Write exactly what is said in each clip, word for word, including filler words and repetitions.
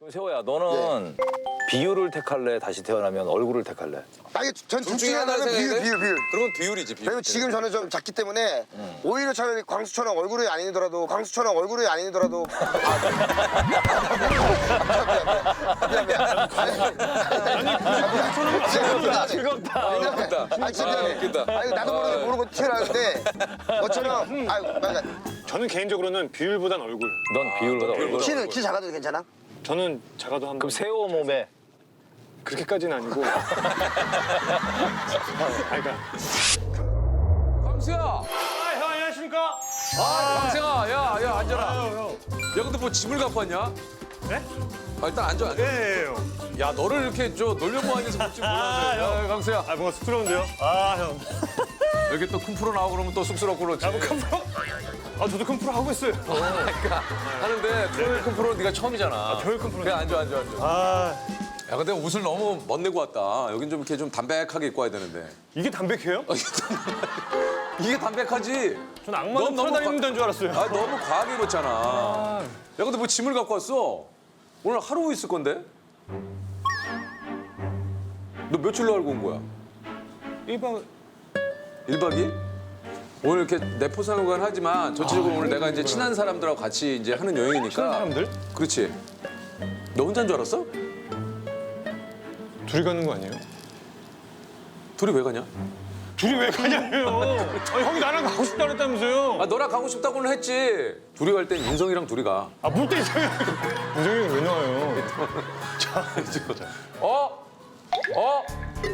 그럼 세호야, 너는 비율을 택할래? 다시 태어나면 얼굴을 택할래? 아니 전둘 중에 하나는 비율, 비율, 비율. 그러면 비율이지, 비율. 왜냐면 지금 저는 좀 작기 때문에 오히려 차라리 광수처럼 얼굴이 아니더라도 광수처럼 얼굴이 아니더라도 미안 미안 즐겁다. 웃긴다. 아니 진짜 미안해. 웃긴다. 아니 나도 모르게 모르고 튀어나왔는데 너처럼 아유 맞아. 저는 개인적으로는 비율보단 얼굴. 넌 비율보다 얼굴. 키는 키 작아도 괜찮아? 저는 작아도 한 번. 그럼 세호 몸에 그렇게까지는 아니고. 아, 그러니까. 광수야! 아, 형 안녕하십니까? 아, 광수야! 야, 야, 앉아라. 야, 근데 뭐 짐을 갖고 왔냐? 네? 아, 일단 앉아, 앉아. 네, 형. 야, 너를 이렇게 저 놀려모아서 볼줄 몰랐네. 아, 형. 야, 광수야. 아, 뭔가 쑥스러운데요? 아, 형. 여기 또 큰 프로 나오고 그러면 또 쑥스럽고 그렇지. 야, 뭐 큰 프로? 아, 저도 큰 프로 하고 있어요. 그러니까 하는데 프로의 큰 프로는 네가 처음이잖아. 아, 저의 큰 프로. 그래, 앉아, 앉아, 앉아. 아, 야, 근데 옷을 너무 멋내고 왔다. 여긴 좀 이렇게 좀 담백하게 입고 와야 되는데. 이게 담백해요? 아, 이게 담백- 이게 담백하지? 전 악마도 넌 너무 돌아다니는 줄 알았어요. 아, 너무 과하게 입었잖아. 야, 근데 뭐 짐을 갖고 왔어? 오늘 하루 있을 건데? 너 며칠로 알고 온 거야? 일반 일 박 이 일? 오늘 이렇게 내포상관 하지만 전체적으로 오늘 내가 이제 친한 사람들하고 같이 이제 하는 여행이니까. 친한 사람들? 그렇지. 너 혼자인 줄 알았어? 둘이 가는 거 아니에요? 둘이 왜 가냐? 둘이 왜 가냐고요? 아니, 형이 나랑 가고 싶다 그랬다면서요? 아, 너랑 가고 싶다고는 했지. 둘이 갈 땐 인성이랑 둘이 가. 아, 물때 이상해. 무정이 형 왜 나와요? 자, 이제 보자. 어? 어?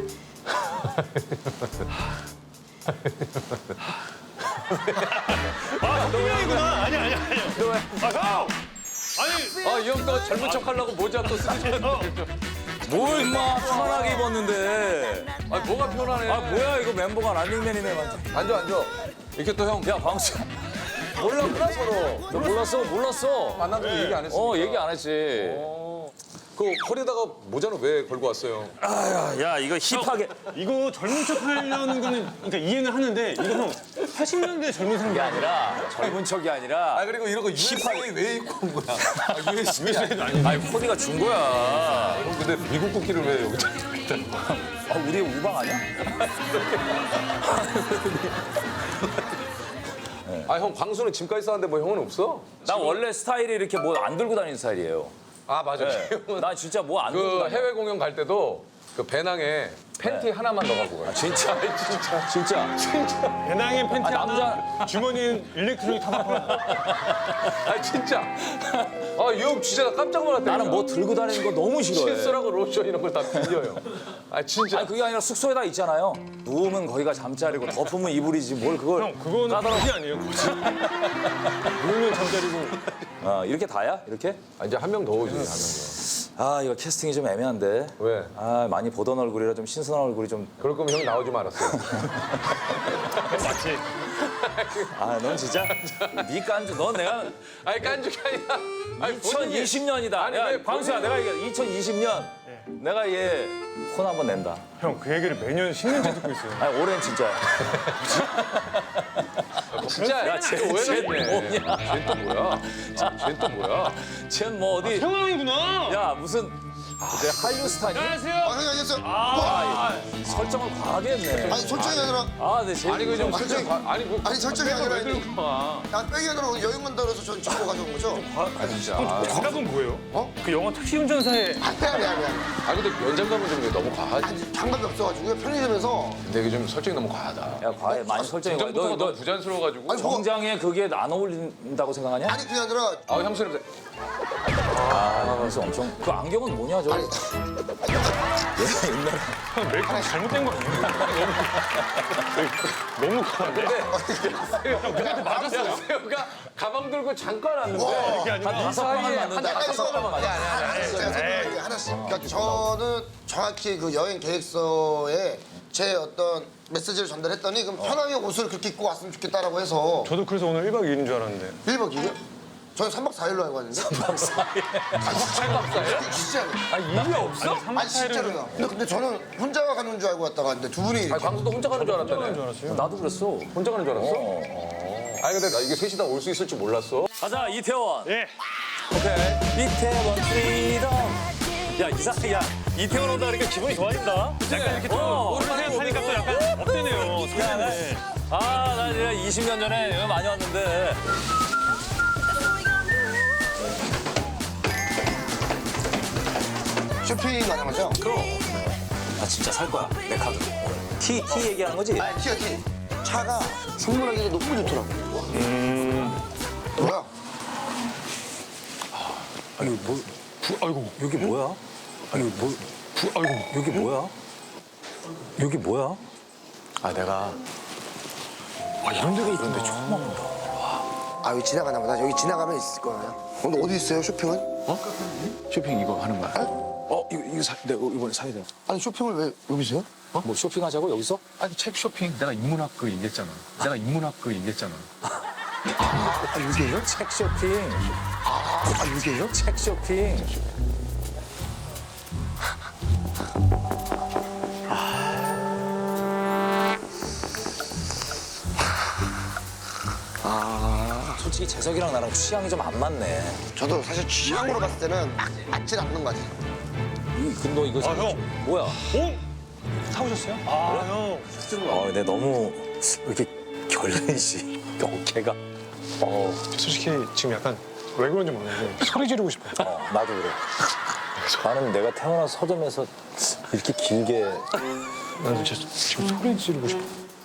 아, 형이 형이구나. 아니야, 아니야, 아니야. 너 왜? 아, 형! 아니, 아, 이 형 또 젊은 척 하려고 모자 또 쓰고 있는데. 뭘 임마 편하게 입었는데. 아, 뭐가 편하네. 아 뭐야 이거 멤버가 런닝맨이네 완전. 앉아, 앉아. 이렇게 또 형. 야 광수. 몰랐구나 서로. 너 몰랐어 몰랐어. 만나서 얘기 안 했어. 어 얘기 안 했지. 그 허리에다가 모자는 왜 걸고 왔어요? 야 이거 힙하게. 이거 젊은 척 하려는 거는 그러니까 이해는 하는데 이거 형 팔십 년대 젊은 사람 게 아니라 젊은 척이 아니라. 아, 그리고 이런 거 유에스에이 왜 입고 온 거야? 아, 유에스에이 아니. 아니 코디가 준 거야. 형, 근데 미국 국기를 왜 여기다? 아 우리 우방 아니야? 아, 형 광수는 짐까지 싸는데 뭐 형은 없어? 나 원래 스타일이 이렇게 뭐 안 들고 다니는 스타일이에요. 아, 맞아. 네. 형은 나 진짜 뭐 안 들고 그 다녀. 해외 공연 갈 때도 그 배낭에 팬티 하나만 넣어갖고 가요. 진짜 진짜 진짜. 배낭에 팬티 아, 하나, 남자- 주머니엔 일렉트로닉 타바코 하나. 아, 진짜. 아, 이 형 진짜 나 깜짝 놀랐다. 나는 뭐 들고 다니는 거 너무 싫어해. 칫솔하고 로션 이런 걸 다 빌려요. 아, 진짜. 아니 그게 아니라 숙소에다 있잖아요. 누우면 거기가 잠자리고 덮으면 이불이지 뭘 그걸. 형, 그거는 까다로워. 거지 아니에요, 거지. 누우면 잠자리고. 어, 이렇게 다야? 이렇게? 아, 이제 한 명 더 오지, 한 명 더. 아 이거 캐스팅이 좀 애매한데. 왜? 아 많이 보던 얼굴이라 좀 신선한 얼굴이 좀. 그럴 거면 형 나오지 말았어요. 맞지? 아 넌 진짜 니 깐주. 넌 내가 아니, 깐죽이 아니라. 아니, 본인이- 이천이십 년이다. 아니, 야 왜 광수야 본인이- 내가 이게 이천이십 년 내가 얘 혼 한번 낸다. 형, 그 얘기를 매년 십 년째 듣고 있어요. 아니 올해는 진짜야. 진짜. 야, 쟤- 왜 쟤 그랬네. 뭐냐? 쟤는 또 뭐야? 쟤는 또 뭐야? 쟤는 뭐 어디 형 형이구나. 야 무슨 이제 한류 스타니? 안녕하세요. 아 형님 안녕하세요. 설정을 과하게 했네. 아니 솔직히 아니라 아네 제. 아니, 그좀 설정. 아니, 뭐. 아니 설정이 아니라 왜 들고 가? 난 빼기 아니라 여행 간다 그래서 전 정보 가져온 거죠? 아, 진짜. 정답은 뭐예요? 어? 그 영화 택시 운전사의 아니 아니 아니 아니. 아, 근데 연장감은 좀 너무 과하지. 아니 장갑이 없어가지고 편의점에서 근데 이게 좀 설정이 너무 과하다. 야 과해 많이 설정이 과해. 전부터가 너, 너무 너 부자연스러워가지고. 아니, 뭐- 정장에 그게 안 어울린다고 생각하냐? 아니 그게 아니라 아, 향수 냄새. 아 그래서 엄청 그 안경은 뭐냐 저. 아니 형 메이크업 잘못된 거 아니에요? 너무 너무 과한데? 형 누구한테 맞았어요? 세호가 가방 들고 잠깐 왔는데. 그게 아니고 한 다섯 방을 맞는다. 아니, 다섯 방을 맞는다. 하나씩 제가 설명할게요 하나씩. 그러니까 저는 정확히 그 여행 계획서에 제 어떤 메시지를 전달했더니 그럼 편하게 옷을 그렇게 입고 왔으면 좋겠다라고 해서 저도 그래서 오늘 일 박 이 일인 줄 알았는데. 일 박 이 일? 저는 삼 박 사 일로 알고 왔는데. 삼 박 사 일? 진짜로. 아, 일이 없어? 아니 진짜로요. 근데, 근데 저는 혼자 가는 줄 알고 왔다가 근데 두 분이 아니, 광수도 혼자 가는 줄 알았다네. 줄 알았어요. 나도 그랬어. 혼자 가는 줄 알았어? 어. 아니, 근데 나 이게 셋이 다 올 수 있을 줄 몰랐어. 가자 이태원. 예. 오케이. 이태원 프리덤. 이상, 야, 이태원 온다 그러니까 기분이 좋아진다. 약간 이렇게 또 어. 오랜만에 사니까 또 약간 업되네요. 야, 나, 설레네. 아, 나 진짜 이십 년 전에 여기 많이 왔는데. 쇼핑 가는 거죠? 그럼. 나 진짜 살 거야. 내 카드. 티, 티 얘기하는 거지? 아, 티야, 티. 차가 선물하기가 너무 좋더라고. 음. 뭐야? 아니, 뭐, 부, 아이고. 여기 뭐야? 아니, 뭐, 부, 아이고. 여기 뭐야? 여기 뭐야? 아, 내가. 아, 이런 데가 있는데 처음 와본다. 아, 여기 지나가나 보다. 여기 지나가면 있을 거야. 오늘 어디 있어요, 쇼핑은? 쇼핑 이거 하는 거야. 어 이거 이거 사, 내가 이번에 사야 돼. 아니, 쇼핑을 왜 여기서요? 뭐 쇼핑하자고 여기서? 아니 책 쇼핑 내가 인문학 그 얘기했잖아. 내가 인문학 그 얘기했잖아. 아, 여기에요? 책 쇼핑. 아, 여기에요? 책 쇼핑. 아, 솔직히 재석이랑 나랑 취향이 좀 안 맞네. 저도 사실 취향으로 봤을 때는 막 맞진 않는 거 같아요. 이, 근데 너 이거 아, 형. 뭐야? 오? 사오셨어요? 아, 형. 어, 근데 너무 이렇게 결례시 어깨가. 어, 솔직히 지금 약간 왜 그런지 모르겠는데 소리 지르고 싶어요. 어, 나도 그래. 나는 내가 태어나서 서점에서 이렇게 길게 나도 진짜 지금 소리 지르고 싶어.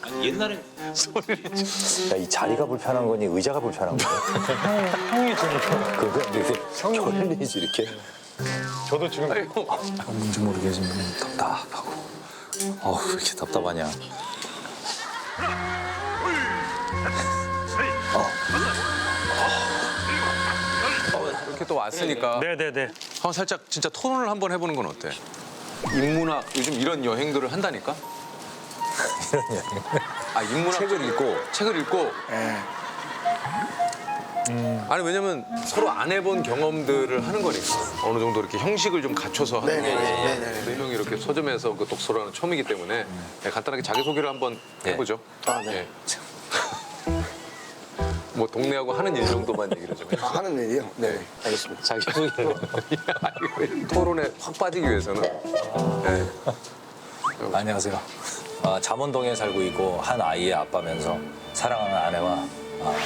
야, 이 자리가 불편한 거니 의자가 불편한 거야? 형, 형이 지금 이렇게. 그거 이렇게 결례시 이렇게. 저도 지금 뭔지 모르게 지금 답답하고. 어우, 왜 이렇게 답답하냐. 이렇게 또 왔으니까 네네네. 한번 살짝 진짜 토론을 한번 해보는 건 어때? 인문학 요즘 이런 여행들을 한다니까? 이런 여행. 아 인문학 책을 읽고. 책을 읽고. 아니 왜냐면 서로 안 해본 경험들을 하는 거니까 어느 정도 이렇게 형식을 좀 갖춰서 하는 거예요. 네 명이 이렇게 서점에서 그 독서를 하는 처음이기 때문에 네, 간단하게 자기 소개를 한번 네. 해보죠. 아, 네. 예. 뭐 동네하고 하는 일 정도만 얘기를 좀 해주세요. 아, 하는 일이요? 네, 알겠습니다. 자기 소개를. 아니, 토론에 확 빠지기 위해서는. 네. 안녕하세요. 아, 잠원동에 살고 있고 한 아이의 아빠면서 사랑하는 아내와 아,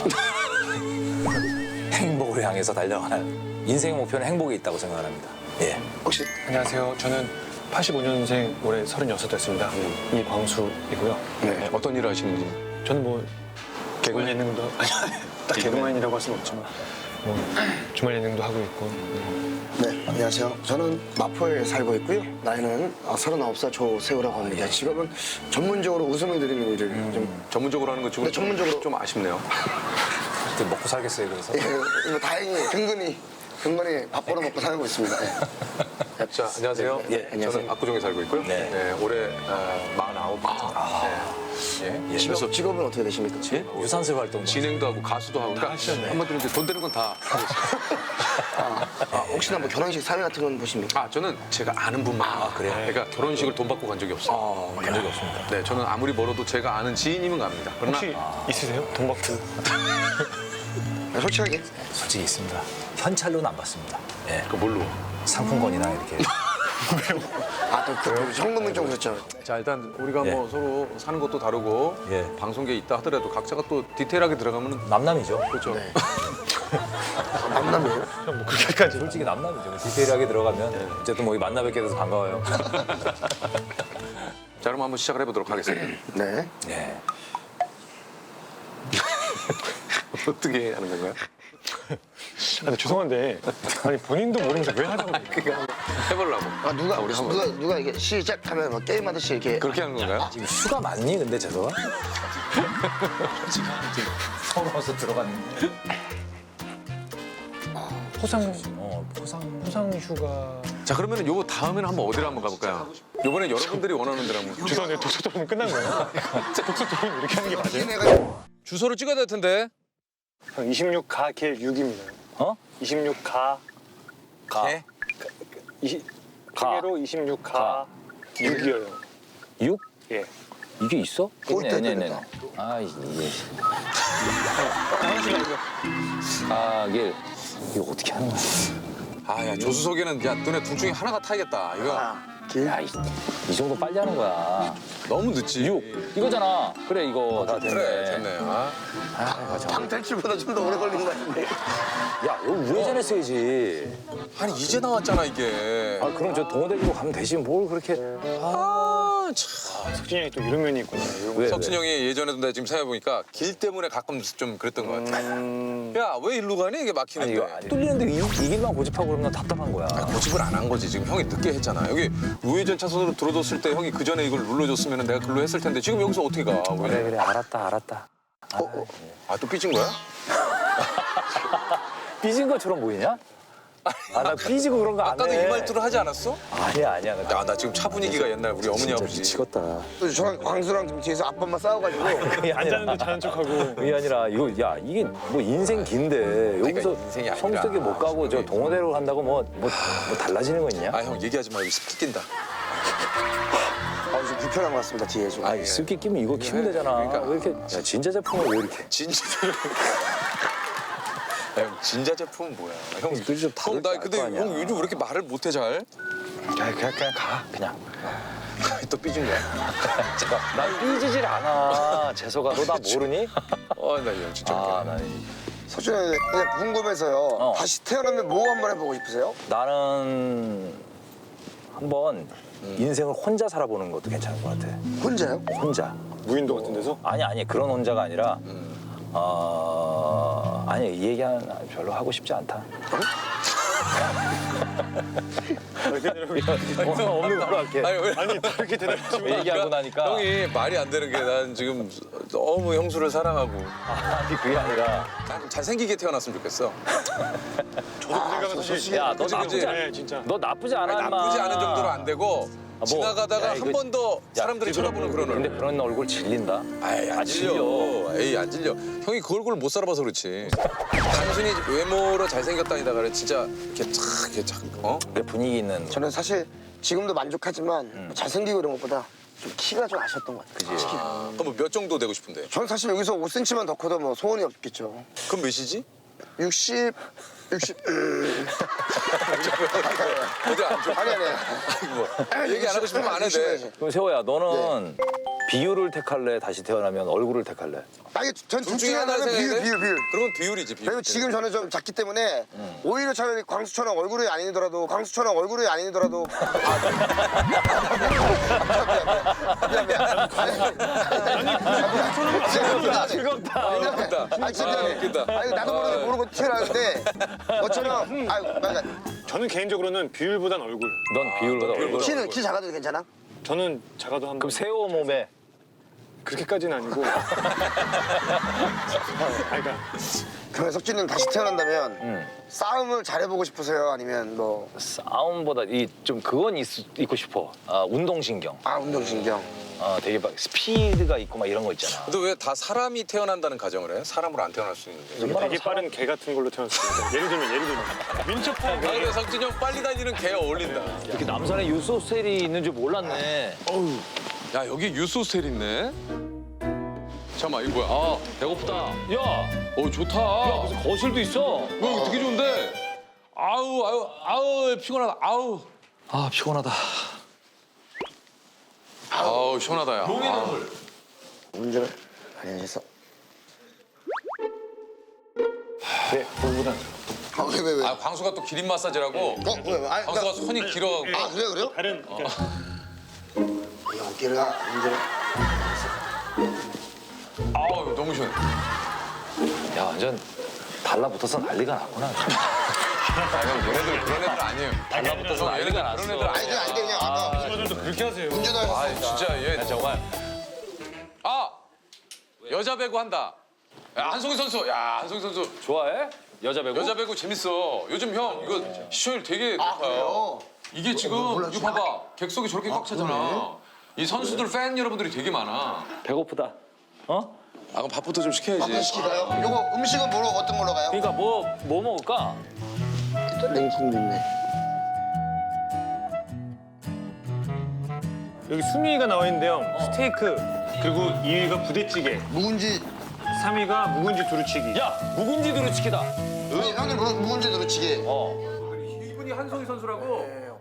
행복을 향해서 달려가는 인생 목표는 행복이 있다고 생각합니다. 예. 혹시 안녕하세요. 저는 팔십오 년생 올해 서른여섯 됐습니다. 이광수이고요. 네. 어떤 일을 하시는지. 저는 뭐 주말 예능도 아니 딱 개그맨이라고 할 수는 없지만 뭐 주말 예능도 하고 있고 네, 안녕하세요. 저는 마포에 살고 있고요. 나이는 아, 서른아홉 살 조세호라고 합니다. 직업은 전문적으로 웃음을 드리는 일을 좀 전문적으로 하는 것 치고 네, 전문적으로. 좀 아쉽네요. 그때 먹고 살겠어요, 그래서. 예, 이거 다행히 근근히 근근히 밥 벌어 먹고 살고 있습니다. 네. 자, 안녕하세요. 네, 네, 안녕하세요. 저는 압구정에 살고 있고요. 네. 네, 올해 어, 마흔아홉. 네. 예. 그래서 직업, 직업은 어떻게 되십니까? 유산슬 활동. 진행도 하고 가수도 하고 그러니까 한마디로 이제 돈 되는 건 다 하고 있어요. 아, 혹시나 뭐 결혼식 사회 같은 건 보십니까? 아, 저는 제가 아는 분만. 아, 그래요? 그러니까 결혼식을 돈 받고 간 적이 없어요. 간 적이 없습니다. 네, 저는 아무리 멀어도 제가 아는 지인이면 갑니다. 그러나 혹시 있으세요? 돈 받고 아, 솔직하게. 솔직히 있습니다. 현찰로는 안 받습니다. 예. 그 뭘로? 상품권이나 이렇게. 아, 또 그 현금은 좀 그렇죠. 자, 일단 우리가 예. 뭐 서로 사는 것도 다르고 예. 방송계에 있다 하더라도 각자가 또 디테일하게 들어가면 남남이죠. 그렇죠. 네. 만남이에요? 뭐 그렇게까지 솔직히 남남이죠. 디테일하게 들어가면 어쨌든 뭐 만나 뵙게 돼서 반가워요. 자, 그럼 한번 시작을 해보도록 하겠습니다. 네. 예. 어떻게 하는 건가요? 근데 죄송한데 아니 본인도 모르면서 왜 하자고 그래요? 해보려고. 아, 누가, 우리 한번 누가, 누가 이게 시작하면 뭐 게임하듯이 이렇게. 그렇게 하는 건가요? 지금 휴가 맞니? 근데 재석아? 지금 서러워서 들어갔는데. 포상 어, 포상. 포상 휴가 자, 그러면 요거 다음에는 한번 어디로 한번 가볼까요? 요번에 여러분들이 원하는 데로 한번. 죄송한데 독서 토론 끝난 거예요? 독서 토론 이렇게 하는 게 맞아요? 내가 주소를 찍어야 될 텐데. 형 이십육 가 길 육입니다. 어? 이십육 가 가. 이십 가. 개로 이십육 가 육이에요. 육? 예. 이게 있어? 꼴대 네네네. 되겠다. 아, 이게. 아, 이게. 이거 어떻게 하는 거야? 아, 야, 조수석에는 야, 너네 둘 중에 하나가 타야겠다. 이거 야, 이, 이 정도 빨리 하는 거야. 너무 늦지. 육 이거잖아. 그래 이거 다 됐네. 그래, 됐네. 아. 방 탈출보다 좀 더 오래 걸린 것 같은데. 야, 이거 우회전 했어야지. 아니, 이제 나왔잖아, 이게. 아, 그럼 저 동호대교로 가면 되지. 뭘 그렇게. 아, 참. 석진이 형이 또 이런 면이 있구나. 이런 거. 왜, 석진 형이 예전에도 내가 지금 생각해보니까 길 때문에 가끔 좀 그랬던 것 같아. 야, 왜 일로 가니? 이게 아니, 막히는데. 이거 아니, 뚫리는데 이, 이 길만 고집하고 그러면 답답한 거야. 고집을 안 한 거지. 지금 형이 늦게 했잖아. 여기 우회전 차선으로 들어뒀을 때 형이 그 전에 이걸 눌러줬으면 내가 글로 했을 텐데 지금 여기서 어떻게 가? 왜? 그래, 그래. 알았다, 알았다. 아, 또 삐진 거야? 삐진 것처럼 보이냐? 아, 나 삐지고 그런 거 안 해. 아까도 이 말투를 하지 않았어? 아니야, 아니야. 나 야, 나 지금 차 분위기가 옛날 우리 어머니 진짜 아버지. 미치겠다. 또 저랑 광수랑 좀 뒤에서 앞번만 싸워가지고. 그게 아니라. 앉았는데 자는 척하고. 그게 아니라 이거 야 이게 뭐 인생 긴데 여기서 인생이 아니라. 성수대교 못 가고 저 동호대로 간다고 뭐 뭐 뭐 달라지는 거 있냐? 아, 형 얘기하지 마. 여기 습기 낀다. 아, 좀 불편한 것 같습니다, 뒤에 좀. 아, 습기 끼면 이거 키면 되잖아. 그러니까. 왜 이렇게 야, 진짜 제품을 왜 이렇게? 진짜. 야, 형, 진짜 제품은 뭐야? 형, 이거 좀 다를 형, 나 거 근데 아니야. 형 요즘 왜 이렇게 말을 못해 잘? 그냥 그냥, 그냥 가 그냥. 또 삐진 거야? 나 삐지질 않아. 재석아, 너 나 모르니? 어, 나 형 진짜. 아, 웃기네. 나 석준이 그냥 궁금해서요. 어. 다시 태어나면 뭐 한번 해보고 싶으세요? 나는 한번 인생을 혼자 살아보는 것도 괜찮을 것 같아. 혼자요? 혼자. 무인도 같은 데서? 아니 아니 그런 혼자가 아니라 어 아니 이 얘기는 별로 하고 싶지 않다. 어, 없는 걸로 할게. 아니, 왜? 아니 그렇게 대답하시면 얘기하고 나니까 형이 말이 안 되는 게 난 지금 너무 형수를 사랑하고 아니 그게 아니라 난 좀 잘생기게 태어났으면 좋겠어. 저도 그 생각은 사실. 야 너 그치, 나쁘지 그치. 않, 네, 진짜. 너 나쁘지 않아 아니, 인마. 나쁘지 않은 정도로 안 되고 뭐, 지나가다가 야, 한 이거- 번 더 야, 사람들이 쳐다보는 그런 근데 얼굴. 그런 얼굴 질린다. 아이, 안 아, 질려. 질려. 에이, 안 질려. 형이 그 얼굴을 못 살아봐서 그렇지. 단순히 외모로 잘생겼다니다가 그래 진짜 이렇게 착, 이렇게 착, 어? 내 분위기 있는. 저는 사실 지금도 만족하지만 음. 잘생기고 이런 것보다 좀 키가 좀 아쉬웠던 것 같아요. 그지? 그럼 몇 정도 되고 싶은데? 저는 사실 여기서 오 센티미터만 더 커도 뭐 소원이 없겠죠. 그럼 몇이지? 육십, 육십. 음. 어디 안 좋아? 아니 아니. 뭐 얘기 안 하고 싶으면 안 해도 돼. 그럼 세호야 너는 비율을 택할래? 다시 태어나면 얼굴을 택할래? 아니 전둘 둘 중에 중에 하나를 하나는 비율 생각해? 비율 비율. 그러면 비율이지, 비율. 왜냐면 지금 저는 좀 작기 때문에 오히려 차라리 광수처럼 얼굴이 아니더라도 광수처럼 얼굴이 아니더라도 미안 미안 즐겁다. 웃긴다. 아니 진짜 아, 웃긴다. 아니 나도 모르게 모르고 튀어나왔는데 너처럼 아유 그러니까 저는 개인적으로는 비율보단 얼굴. 넌 비율보다 얼굴. 비율보다. 키는 키 작아도 괜찮아? 저는 작아도 한 그럼 세호 몸에 그렇게까지는 아니고. 아, 그러니까 그러면 석진이는 다시 태어난다면 음. 싸움을 잘해보고 싶으세요? 아니면 뭐 싸움보다 이 좀 그건 있, 있고 싶어. 아, 운동신경. 아 운동신경 어, 되게 막 스피드가 있고 막 이런 거 있잖아. 근데 왜 다 사람이 태어난다는 가정을 해? 사람으로 안 태어날 수 있는데. 웬만하면 되게 빠른 개 같은 걸로 태어났습니다. 예를 들면 예를 들면 민첩한 아, 그래, 석진이 형 빨리 다니는 개 어울린다. 이렇게 남산에 유소스텔이 있는 줄 몰랐네. 야, 여기 유스 호스텔 있네? 잠깐만, 이거 뭐야? 아, 배고프다. 야, 어, 좋다. 야 무슨 거실도 있어. 이거 되게 좋은데? 아우, 아우, 아우, 피곤하다. 아우. 아, 피곤하다. 아우, 시원하다, 야. 아. 운전을 많이 해서 네, 그거보단 아왜 왜 왜? 아, 광수가 또 기린 마사지라고. 어? 왜 왜? 아니, 광수가 그러니까, 손이 길어가고. 아 그래요 그래요? 다른 그러니까 이 어깨가 운전을 아우, 너무 시원해. 야, 완전 달라붙어서 난리가 났구나. 아, 형, 얘네들 그런 애들 아니에요. 달라붙어서 형, 얘네들 난리가 났어. 그런 애들 아니 아니야. 그냥 아니 그냥 아까 친구들도 그렇게 하세요. 운전을 아, 진짜 얘. 야, 정말. 아! 여자 배구 한다. 야, 한송이 선수. 야, 한송이 선수. 좋아해? 여자 배구? 여자 배구 재밌어. 요즘 형 이거 시청률 되게 아 높아요. 그래요? 이게 지금 이거 봐봐. 객석이 저렇게 꽉 차잖아. 이 선수들 팬 여러분들이 되게 많아. 배고프다. 어? 아, 그럼 밥부터 좀 시켜야지. 밥도 시킬까요? 요거 음식은 뭐로 어떤 걸로 가요? 그러니까 뭐, 뭐 먹을까? 냉국도 있네. 여기 순위가 나와 있는데요. 스테이크 그리고 이 위가 부대찌개, 묵은지 삼 위가 묵은지 두루치기. 야, 묵은지 두루치기다. 아니 형님 묵- 묵은지 두루치기. 어. 한송이 선수라고.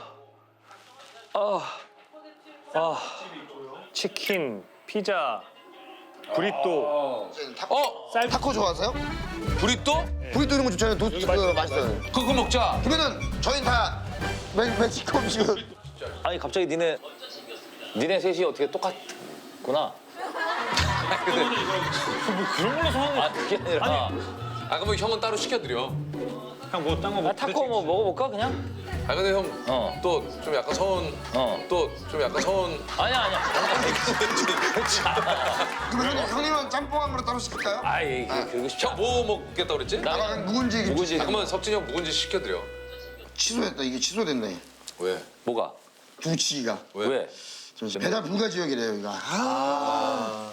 치킨, 피자, 브리또. 어? 쌀 타코 좋아하세요? 브리또? 브리또 이런 거 좋잖아요. 도, 그거 맛있어요. 그거 먹자. 그러면은 저희는 다 멕- 멕시코 음식은 아니 갑자기 니네 니네 셋이 어떻게 똑같구나. 근데 그런 걸로 소화는. 아 그게 아니라 아 그러면 형은 따로 시켜드려. 그냥 뭐 딴 거 먹. 아, 타코 뭐 먹어볼까 그냥? 아 근데 형 어. 또 좀 약간 서운. 어. 또 좀 약간 서운. 아니야 아니야. 그렇지 않아. 그럼 형님, 형님은 짬뽕 한 그릇 따로 시킬까요? 아이 그러고 싶지 형 않아. 뭐 먹겠다 그랬지? 아, 그럼 묵은지 김치. 아, 그러면 석진이 형 묵은지 시켜드려. 취소했다. 이게 취소됐네. 왜? 뭐가? 두치기가. 왜? 왜? 잠시 배달 불가 지역이래요, 여기가. 아.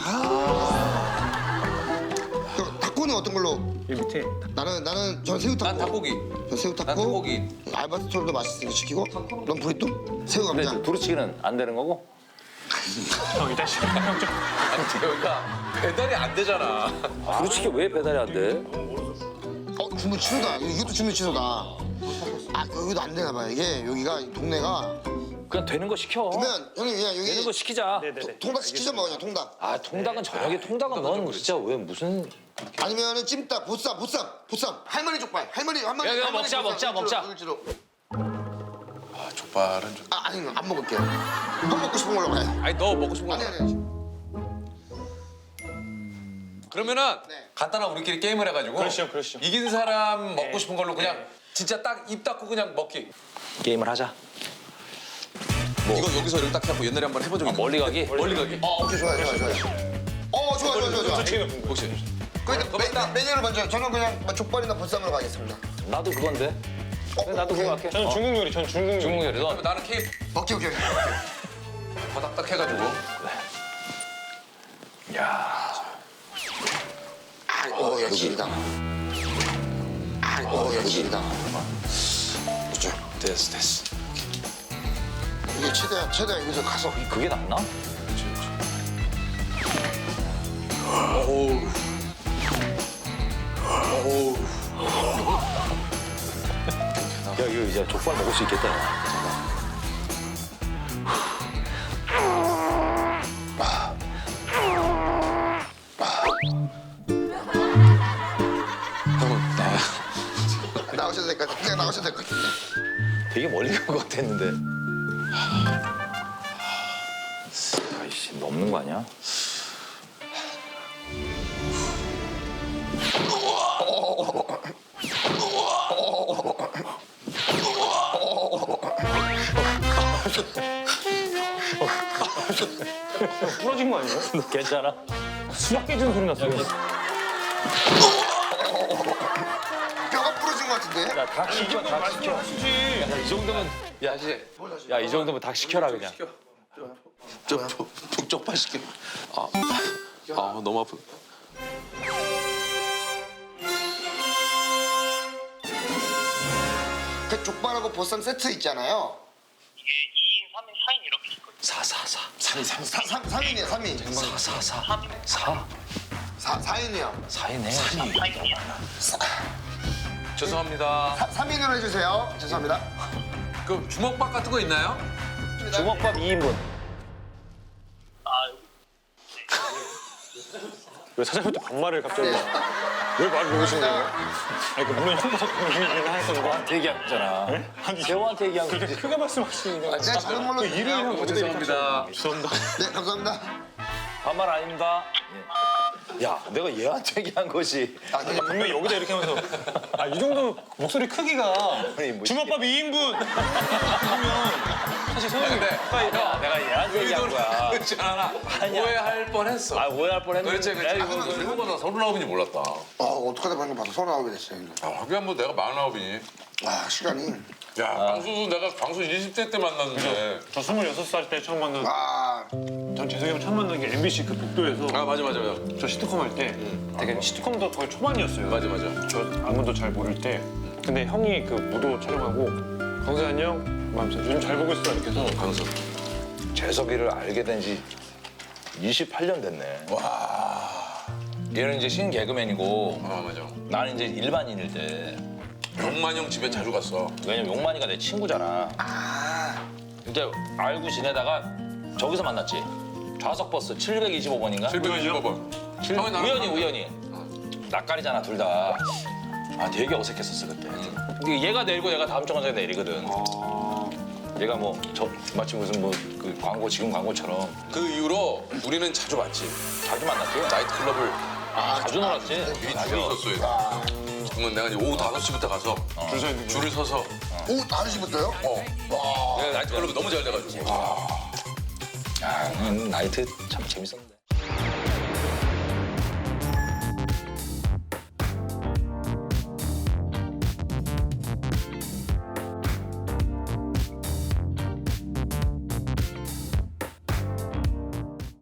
아. 그럼 타코는 어떤 걸로? 이 밑에. 나는 나는 저 새우 타코. 난 닭고기. 저 새우 타코. 난 닭고기. 알바스토로도 맛있으니까 시키고. 넌 브리또? 새우 근데 감자. 두루치기는 안 되는 거고? 형 이따 시켜. 형 좀. 아니 여기가 배달이 안 되잖아. 두루치기 왜 배달이 안 돼? 어 주문 취소다. 이것도 주문 취소다. 아 여기도 안 되나 봐요. 이게 여기가 이 동네가. 그냥 되는 거 시켜. 그러면 형님 그냥 여기 되는 거 시키자. 네네네. 통닭 시키죠 뭐 그냥 통닭. 아 통닭은 저녁에 통닭은 넌 진짜 왜 무슨 아니면은 찜닭, 보쌈, 보쌈, 보쌈. 할머니 족발. 할머니 할머니. 야, 야, 할머니 먹자, 보쌈. 먹자, 일주로, 먹자. 일주로. 아 족발은 좀. 아 아니 안 먹을게요. 형 먹고 싶은 걸로 가요. 아니 너 먹고 싶은 거. 아니 아니. 아니. 그러면은 네. 간단한 우리끼리 게임을 해가지고. 그러시죠, 그러시죠. 이긴 사람 먹고 싶은 걸로 그냥 진짜 딱 입 닫고 그냥 먹기. 게임을 하자. 이거 여기서 이렇게 딱 해갖고 옛날에 한번 해본 적이 있는데. 멀리 가기? 멀리 가기. 어 오케이 좋아요 좋아요 좋아요. 어 좋아 좋아 좋아 좋아. 혹시 그럼 메- 메뉴를 먼저 저는 그냥 뭐 족발이나 보쌈으로 가겠습니다. 나도 그건데. 그래, 나도 그거 할게. 저는 중국 요리. 전 중국 요리. 중국 요리. 너 그러면 나는 케이크 오케이 오케이. 바닥 딱 해가지고. 오 역시다. 오 역시다. 그렇죠. 됐어 됐어. 이게 최대한 최대한 여기서 가서 그게 낫나? 어우. 어우. 야 이거 이제 족발 먹을 수 있겠다. 야. 나오셔도 될 것 같아. 그냥 나오셔도 될 것 같은데. 되게 멀리 간 것 같았는데. 아이씨 넘는 거 아니야? 부러진 거 아니에요? 너 괜찮아? 수박 깨지는 소리 났어요. 뼈가 부러진 것 같은데. 닭 시켜, 닭 시켜. 맛있지. 이 정도면 야, 야 이 정도면 닭 시켜라 그냥. 저 북쪽발 시켜. 아, 아 너무 아프. 그 족발하고 보쌈 세트 있잖아요. 이게 이 인, 삼 인, 사 인 이렇게 있거든요. 사사사. 삼이 삼. 사, 삼, 삼 인이에요, 삼 인. 사사사. 사. 사, 사 인이요. 사이네. 사 인이요. 죄송합니다. 사, 삼 인으로 해주세요. 죄송합니다. 그 주먹밥 같은 거 있나요? 주먹밥 이 인분. 아, 왜 사장님한테 반말을 갑자기? 왜 말을 놓으신 거예요? 아니 그 물론 형도 얘기는 하셨는데. 저한테 얘기한 거잖아. 아니 재호한테 얘기한 그렇게 거지. 크게 말씀하시는 거. 네, 작은 걸로 일을 형 주세요. 어떻게 죄송합니다. 죄송합니다. 네, 감사합니다. 반말 아닙니다. 예. 야, 내가 얘한테 얘기한 거지. 아, 네. 분명히 여기다 이렇게 하면서 아 이 정도 목소리 크기가 아니, 뭐 주먹밥 이 인분 그러면 사실 소영이 근데 야, 내가 얘한테 얘기한 거야. 그렇지 않아. 아니야. 오해할 뻔했어. 아, 오해할 뻔했는데. 그렇지 그렇지. 야, 이거 일본보다 서른아홉인지 몰랐다. 어, 어떡하다 방금 봐서 서른아홉이 됐어요. 이제. 아, 하긴 뭐 내가 마흔아홉이니. 아, 시간이. 야, 광수도 내가 광수 이십 대 때 만났는데. 저 스물여섯 살 때 처음 만난 아, 전 재석이 형 처음 만난 게 엠비씨 그 복도에서 아, 맞아, 맞아, 맞아. 저 시트콤 할 때 되게 시트콤도 거의 초반이었어요. 맞아, 맞아. 저 아무도 잘 모를 때 근데 형이 그 무도 촬영하고 광수 안녕? 하면서 요즘 잘 보고 있어 이렇게 해서 광수. 재석이를 알게 된 지 이십팔 년 됐네. 와. 얘는 이제 신 개그맨이고 아, 맞아. 나는 이제 일반인일 때. 용만 형 집에 자주 갔어. 왜냐면 용만이가 내 친구잖아. 근데 알고 지내다가 저기서 만났지. 좌석버스 칠백이십오 번인가? 칠백이십오 번. 칠- 형이 나랑 우연히 우연히. 낯가리잖아 둘 다. 아 되게 어색했었어 그때. 근데 얘가 내리고 내가 다음 정거장에 내리거든. 얘가 뭐 저 마치 무슨 뭐 그 광고 지금 광고처럼 그 이후로 우리는 자주 봤지. 자주 만났지. 나이트클럽을 자주 놀았지. 미리 줄을 섰어요. 그러면 내가 이제 오후 다섯 시부터 가서 줄 서 있는 줄을 서서 오후 다섯 시부터요? 어. 내가 나이트클럽이 너무 잘 돼가지고. 아, 음, 나이트 참 재밌었는데.